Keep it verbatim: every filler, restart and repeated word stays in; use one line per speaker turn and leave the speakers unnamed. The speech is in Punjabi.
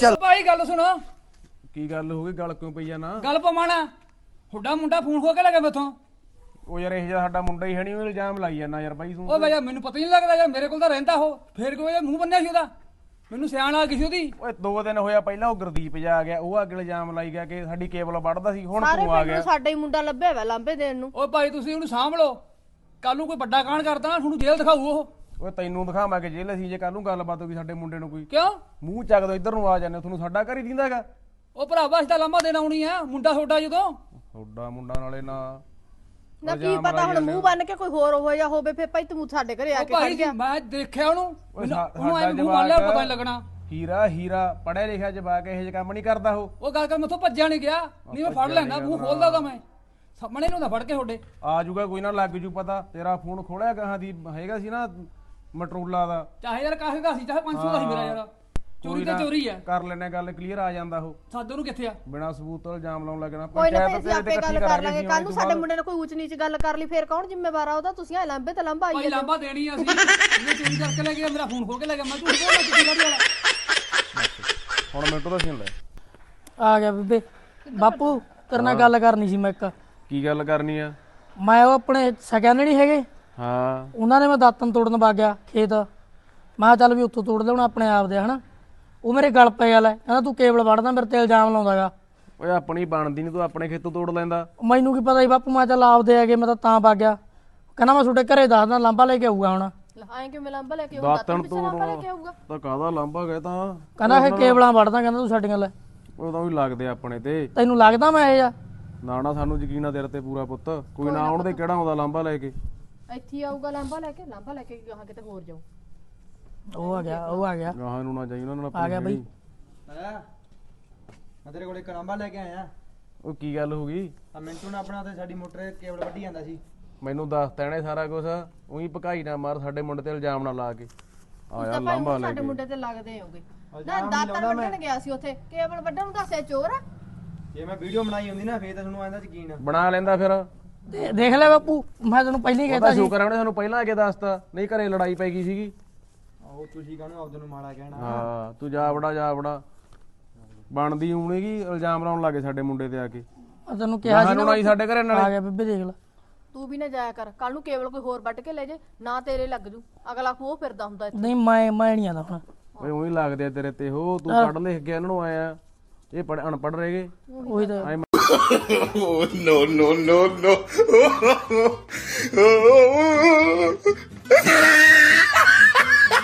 ਚੱਲ
ਭਾਈ ਗੱਲ ਸੁਣੋ।
ਕੀ ਗੱਲ ਹੋ ਗਈ? ਗੱਲ ਕਿਉਂ ਪਈ ਜਾਣਾ?
ਗੱਲ ਪਵਾਣਾ ਹੁੱਡਾ ਮੁੰਡਾ ਫੋਨ ਖੋ ਕੇ ਲੈ ਗਿਆ ਮੈਥੋਂ।
ਉਹ ਯਾਰ ਇਹ ਜਿਹਾ ਸਾਡਾ ਮੁੰਡਾ ਹੀ ਹੈ ਨਹੀਂ, ਉਹ ਇਲਜ਼ਾਮ ਲਾਈ ਜਾਂਦਾ ਯਾਰ ਬਾਈ ਤੂੰ।
ਉਹ ਬਈ ਮੈਨੂੰ ਪਤਾ ਹੀ ਨਹੀਂ ਲੱਗਦਾ ਯਾਰ, ਮੇਰੇ ਕੋਲ ਤਾਂ ਰਹਿੰਦਾ ਉਹ, ਫੇਰ ਕਿਉਂ ਇਹ ਮੂੰਹ ਬੰਨਿਆ ਸੀ ਉਹਦਾ? ਮੈਨੂੰ ਸਿਆਣ ਆ ਗਈ ਸੀ ਉਹਦੀ।
ਓਏ ਦੋ ਦਿਨ ਹੋਇਆ ਪਹਿਲਾਂ ਉਹ ਗੁਰਦੀਪ ਜਾ ਆ ਗਿਆ, ਉਹ ਅੱਗੇ ਇਲਜ਼ਾਮ ਲਾਈ ਗਿਆ ਕਿ ਸਾਡੀ ਕੇਬਲ ਵੱਢਦਾ ਸੀ। ਹੁਣ
ਸਾਰੇ
ਤੂੰ ਆ
ਪਿੰਡ
ਗਿਆ।
ਨੂੰ ਸਾਡਾ ਹੀ ਮੁੰਡਾ ਲੱਭਿਆ ਵਾ ਲਾਂਬੇ ਦੇਣ ਨੂੰ।
ਓ ਭਾਈ ਤੁਸੀਂ ਉਹਨੂੰ ਸਾਂਭ ਲਓ, ਕੱਲ ਨੂੰ ਕੋਈ ਵੱਡਾ ਕਾਂਡ ਕਰਦਾ ਨਾ ਤੁਹਾਨੂੰ ਜੇਲ੍ਹ ਦਿਖਾਊ ਉਹ।
ਓਏ ਤੈਨੂੰ ਦਿਖਾਵਾਂ ਕਿ ਜੇਲ੍ਹ ਅਸੀਂ ਜੇ ਕੱਲ ਨੂੰ ਗੱਲਬਾਤ ਹੋ ਗਈ ਸਾਡੇ ਮੁੰਡੇ ਨੂੰ ਕੋਈ
ਕਿਉਂ?
ਮੂੰਹ ਚੱਕ ਦੋ ਇੱਧਰ ਨੂੰ ਆ ਜਾਂਦੇ, ਤੁਹਾਨੂੰ ਸਾਡਾ ਘਰ ਹੀ ਦਿੰਦਾ ਹੈਗਾ।
ਉਹ ਭਰਾਵਾ ਅਸੀਂ ਤਾਂ ਲਾਂਭਾ ਦੇਣ ਆਉਣੀ ਆ, ਮੁੰਡਾ ਛੋਟਾ ਜਦੋਂ।
ਤੁਹਾਡਾ ਮੁੰਡਾ ਨਾਲੇ ਨਾ
ਨਾ ਕੀ ਪਤਾ ਹੁਣ ਮੂੰਹ ਬੰਨ ਕੇ ਕੋਈ ਹੋਰ ਹੋ ਜਾ ਹੋਵੇ, ਫੇਰ ਭਾਈ ਤੂੰ ਸਾਡੇ ਘਰੇ ਆ
ਉਹ
ਕੇ ਖੜ
ਭਾਈ
ਗਿਆ।
ਮੈਂ ਦੇਖਿਆ ਉਹਨੂੰ, ਮੈਨੂੰ-
ਸਾ-
ਉਹਨੂੰ ਐ
ਸਾਡਾ
ਮੂੰਹ ਬੰਨ ਲਿਆ,
ਜਵਾਕ
ਪਤਾ ਨਹੀਂ ਲੱਗਣਾ।
ਹੀਰਾ ਹੀਰਾ ਪੜਿਆ ਲਿਖਿਆ ਜਵਾਕ ਇਹੋ ਜਿਹੇ ਕੰਮ ਨਹੀਂ ਕਰਦਾ ਉਹ।
ਉਹ ਗੱਲ ਕਰ ਮੈਥੋਂ ਭੱਜਿਆ ਨਹੀਂ ਗਿਆ, ਨਹੀਂ ਮੈਂ ਫੜ ਲੈਂਦਾ, ਮੂੰਹ ਖੋਲਦਾ ਤਾਂ ਮੈਂ ਸਾਹਮਣੇ ਨੂੰ ਨਾ ਫੜ ਕੇ ਤੁਹਾਡੇ
ਆ ਜੂਗਾ ਕੋਈ ਨਾ, ਲੱਗ ਜੂ ਪਤਾ। ਤੇਰਾ ਫੋਨ ਖੋਲਿਆ ਗਾਹਾਂ ਦੀ ਹੈਗਾ ਸੀ ਨਾ ਮਟਰੋਲਾ ਦਾ,
ਚਾਹੇ ਯਾਰ ਕਾਹੇ ਦਾ ਸੀ, ਚਾਹੇ ਪੰਜ ਸੌ ਦਾ ਸੀ ਮੇਰਾ ਯਾਰ। ਚੋਰੀ ਤੇ ਚੋਰੀ ਆ,
ਕਰ ਲੈਣੇ ਗੱਲ, ਕਲੀਅਰ ਆ ਜਾਂਦਾ ਉਹ।
ਸਾਡੇ ਨੂੰ ਕਿੱਥੇ ਆ?
ਬਿਨਾਂ ਸਬੂਤ ਤੋਂ ਇਲਜ਼ਾਮ ਲਾਉਣ ਲੱਗਣਾ।
ਕੋਈ ਨਾ ਫੇਰ ਅਸੀਂ ਆਪੇ ਗੱਲ ਕਰ ਲਾਂਗੇ। ਕੱਲ ਨੂੰ ਸਾਡੇ ਮੁੰਡੇ ਨੇ ਕੋਈ ਉੱਚ ਨੀਚ ਗੱਲ ਕਰ ਲਈ, ਫੇਰ ਕੌਣ ਜ਼ਿੰਮੇਵਾਰ ਆ ਉਹਦਾ? ਤੁਸੀਂ ਆ ਲਾਂਬੇ ਤੇ ਲਾਂਬਾ
ਭਾਈ
ਆਈਏ।
ਲਾਂਬਾ ਦੇਣੀ ਆ ਅਸੀਂ, ਇਹਨੇ ਚੋਰੀ ਕਰਕੇ ਲੈ ਗਿਆ, ਮੇਰਾ ਫੋਨ ਖੋ ਕੇ ਲੈ ਗਿਆ। ਮੈਂ ਝੂਠ ਬੋਲਦਾ ਕਿੱਥੇ ਗਾੜੀ ਵਾਲਾ?
ਹੁਣ ਮਿੰਟੋ ਦਾ ਸੀਨ ਲੈ।
ਆ ਗਿਆ ਬੀਬੇ। ਬਾਪੂ ਤੇਰੇ ਨਾਲ ਗੱਲ ਕਰਨੀ ਸੀ ਮੈਂ ਇੱਕ।
ਕੀ ਗੱਲ ਕਰਨੀ ਆ?
ਮੈਂ ਉਹ ਆਪਣੇ ਸਕਿਆ ਨਹੀਂ ਹੈਗੇ,
ਹਾਂ
ਉਹਨਾਂ ਨੇ ਮੈਂ ਦਾਤਨ ਤੋੜਨ ਵਗ ਗਿਆ ਖੇਤ। ਮੈਂ ਕਿਹਾ ਚੱਲ ਵੀ ਉੱਥੋਂ ਤੋੜ ਲਿਆਉਣਾ ਆਪਣੇ ਆਪ ਦੇ, ਹਨਾ। ਉਹ ਮੇਰੇ ਗਲ ਪੈ ਗਿਆ, ਲੈ ਕਹਿੰਦਾ ਤੂੰ ਕੇਬਲ ਵੜਦਾ, ਮੇਰੇ ਤੇ ਇਲਜ਼ਾਮ ਲਾਉਂਦਾਗਾ।
ਓਏ ਆਪਣੀ ਬਣਦੀ ਨਹੀਂ, ਤੂੰ ਆਪਣੇ ਖੇਤੋਂ ਤੋੜ ਲੈਂਦਾ।
ਮੈਨੂੰ ਕੀ ਪਤਾ ਸੀ ਬਾਪੂ, ਮੈਂ ਚੱਲ ਆਪਦੇ ਹੈਗੇ, ਮੈਂ ਤਾਂ ਤਾਂ ਵਗ ਗਿਆ। ਕਹਿੰਦਾ ਮੈਂ ਤੁਹਾਡੇ ਘਰੇ ਦੱਸਦਾ, ਲਾਂਬਾ ਲੈ ਕੇ ਆਊਗਾ ਹੁਣ।
ਆਏ ਕਿਵੇਂ ਲਾਂਬਾ ਲੈ ਕੇ ਆਊਗਾ?
ਦਾਤਣ
ਪਿੱਛੇ ਲਾਂਬਾ ਲੈ ਕੇ ਆਊਗਾ?
ਤਾਂ ਕਾਹਦਾ ਲਾਂਭਾ ਗਏ ਤਾਂ।
ਕਹਿੰਦਾ ਇਹ ਕੇਬਲਾਂ ਵੜਦਾ, ਕਹਿੰਦਾ ਤੂੰ ਸਾਡੀਆਂ ਲੈ।
ਉਹ ਤਾਂ ਵੀ ਲੱਗਦੇ ਆਪਣੇ ਤੇ।
ਤੈਨੂੰ ਲੱਗਦਾ ਮੈਂ ਇਹ ਜਾ?
ਨਾ ਨਾ ਸਾਨੂੰ ਯਕੀਨ ਆ ਤੇਰੇ ਤੇ ਪੂਰਾ ਪੁੱਤ। ਕੋਈ ਨਾ ਆਉਣ ਦੇ ਕਿਹੜਾ ਆਉਂਦਾ ਲਾਂਭਾ ਲੈ ਕੇ।
ਇੱਥੇ ਹੀ ਆਊਗਾ ਲਾਂਬਾ ਲੈ ਕੇ, ਲਾਂਬਾ ਲੈ ਕੇ ਗਾਹਾਂ ਕਿਤੇ ਹੋਰ ਜਾਊ।
ਉਹ ਆ ਗਿਆ, ਉਹ ਆ ਗਿਆ,
ਗਾਹਾਂ ਨੂੰ ਨਾ ਜਾਈ ਉਹਨਾਂ ਨਾਲ।
ਆ ਗਿਆ ਬਈ।
ਮੈਂ ਤੇਰੇ ਕੋਲ ਇੱਕ ਲਾਂਬਾ ਲੈ ਕੇ ਆਇਆ।
ਉਹ ਕੀ ਗੱਲ ਹੋ ਗਈ?
ਆ ਮਿੰਟੂ ਨੇ ਆਪਣਾ ਤੇ ਸਾਡੀ ਮੋਟਰ ਕੇਬਲ ਵੱਢੀ ਜਾਂਦਾ ਸੀ।
ਮੈਨੂੰ ਦੱਸ ਤੈਨੇ ਸਾਰਾ ਕੁਝ। ਉਹੀ ਭਕਾਈ ਨਾ ਮਾਰ, ਸਾਡੇ ਮੁੰਡੇ ਤੇ ਇਲਜ਼ਾਮ ਨਾ ਲਾ ਕੇ ਆਇਆ
ਤਾਂ ਭਾਈ
ਲਾਂਭਾ ਲੈ
ਸਾਡੇ
ਕੇ।
ਮੁੰਡੇ ਤੇ ਲੱਗਦੇ ਹੋਗੇ ਨਾ। ਦਾਤਰ ਵੱਢਣ ਗਿਆ ਸੀ ਉੱਥੇ, ਕੇਬਲ ਵੱਢਣ ਨੂੰ ਦੱਸਿਆ ਚੋਰ ਆ।
ਜੇ ਮੈਂ ਵੀਡੀਓ ਬਣਾਈ ਹੁੰਦੀ ਨਾ ਫੇਰ ਤਾਂ ਤੁਹਾਨੂੰ ਆਂਦਾ ਯਕੀਨ।
ਬਣਾ ਲੈਂਦਾ ਫਿਰ।
ਦੇ- ਦੇਖ ਲੈ ਬਾਪੂ, ਮੈਂ ਤੈਨੂੰ ਪਹਿਲਾਂ ਹੀ
ਉਹਦਾ
ਕਹਿਤਾ ਸੀ।
ਸ਼ੁਕਰ ਆ ਉਹਨੇ ਸਾਨੂੰ ਪਹਿਲਾਂ ਆ ਕੇ ਦੱਸਤਾ, ਨਹੀਂ ਘਰੇ ਲੜਾਈ ਪੈ ਗਈ ਸੀਗੀ।
ਆਹੋ ਤੁਸੀਂ ਕਾਹਨੂੰ ਆਪਦੇ ਨੂੰ ਮਾੜਾ ਕਹਿਣਾ।
ਹਾਂ ਤੂੰ ਜਾ ਵੜਾ ਜਾ ਵੜਾ ਬਣਦੀ ਹੋਣੇਗੀ, ਇਲਜ਼ਾਮ ਲਾਉਣ ਲੱਗੇ ਸਾਡੇ ਮੁੰਡੇ ਤੇ ਆ ਕੇ।
ਮੈਂ ਤੈਨੂੰ ਕਿਹਾ ਸੀ
ਸਾਨੂੰ ਨਾ ਹੀ ਸਾਡੇ ਘਰੇ
ਆ
ਨਾਲੇ।
ਗਿਆ ਬੀਬੇ, ਦੇਖ ਲੈ।
ਤੂੰ ਵੀ ਨਾ ਜਾਇਆ ਕਰ, ਕੱਲ ਨੂੰ ਕੇਬਲ ਕੋਈ ਹੋਰ ਵੱਢ ਕੇ ਲੈ ਜੇ ਨਾ, ਤੇਰੇ ਲੱਗ ਜੂ। ਅਗਲਾ ਖੂਹ ਫਿਰਦਾ ਹੁੰਦਾ ਇੱਥੇ।
ਨਹੀਂ ਮੈਂ ਮੈਂ ਨਹੀਂ ਆਉਂਦਾ ਹੁਣ।
ਓਏ ਉਹੀ ਲੱਗਦੇ ਆ ਤੇਰੇ ਤੇ। ਹੋ ਤੂੰ ਪੜ੍ਹ ਲਿਖ ਗਿਆ, ਇਹਨਾਂ ਨੂੰ ਆਇਆ। ਇਹ ਪੜ੍ਹ ਅਨਪੜ੍ਹ ਰਹਿ ਗਏ।
ਉਹੀ ਤਾਂ
ਐਂ
Oh, no, no, no, no.